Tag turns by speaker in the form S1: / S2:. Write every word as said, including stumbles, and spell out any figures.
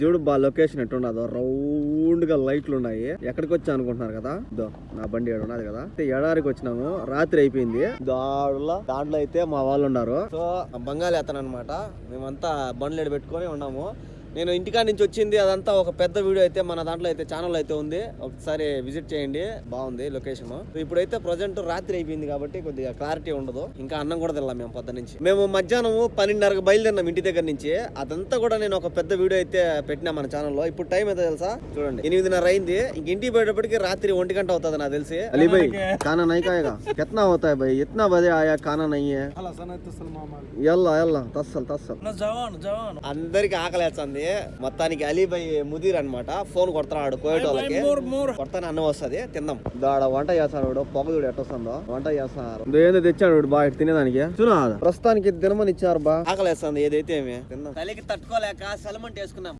S1: చూడు బా location ఎట్టున్నదో round గా లైట్లు ఉన్నాయి. ఎక్కడికి వచ్చా అనుకుంటున్నారు కదా, దో నా బండి ఏడు ఉన్నది కదా, ఎడారికి వచ్చినాము. రాత్రి అయిపోయింది. దాడులా దాంట్లో అయితే మా వాళ్ళు ఉన్నారు. సో బంగాళీ అతను అనమాట. మేమంతా బండ్లు ఎడ పెట్టుకొని ఉన్నాము. నేను ఇంటికాడ నుంచి వచ్చింది అదంతా ఒక పెద్ద వీడియో అయితే మన దాంట్లో అయితే ఛానల్ అయితే ఉంది, ఒకసారి విజిట్ చేయండి. బాగుంది లొకేషన్. ఇప్పుడైతే ప్రజెంట్ రాత్రి అయిపోయింది కాబట్టి కొద్దిగా క్లారిటీ ఉండదు. ఇంకా అన్నం కూడా తిన్నాం మేము పొద్దు నుంచి. మేము మధ్యాహ్నం పన్నెండున్నరకు బయలుదేరినాం ఇంటి దగ్గర నుంచి. అదంతా కూడా నేను ఒక పెద్ద వీడియో అయితే పెట్టినా మన ఛానల్లో. ఇప్పుడు టైం అయితే తెలుసా, చూడండి ఎనిమిదిన్నర అయింది. ఇంక ఇంటికి పోయేటప్పటికి రాత్రి ఒంటి గంట అవుతుంది నాకు తెలిసి. అలీ భాయ్ खाना नहीं खाएगा कितना होता है भाई, इतना बजे आया खाना नहीं है यल्ला यल्ला तस्सल तस्सल అందరికి ఆకలేస్తుంది. మొత్తానికి అలీబాయ్ ముదీర్ అనమాట. ఫోన్ కొడతాడు కోయట వాళ్ళకి, కొడతానే అన్నం వస్తుంది తిందాం. దాడ వంట చేస్తాడు పొగ చూడు ఎట్ట వస్తుందో. వంట చేస్తున్నారు ఏదో తెచ్చాడు బాగా తినేదానికి. చూడ ప్రస్తుతానికి దినమని ఇచ్చారు బా. ఆకలేస్తుంది ఏదైతే ఏమి తిందాం. చలికి తట్టుకోలేక సెలమంట వేసుకున్నాం.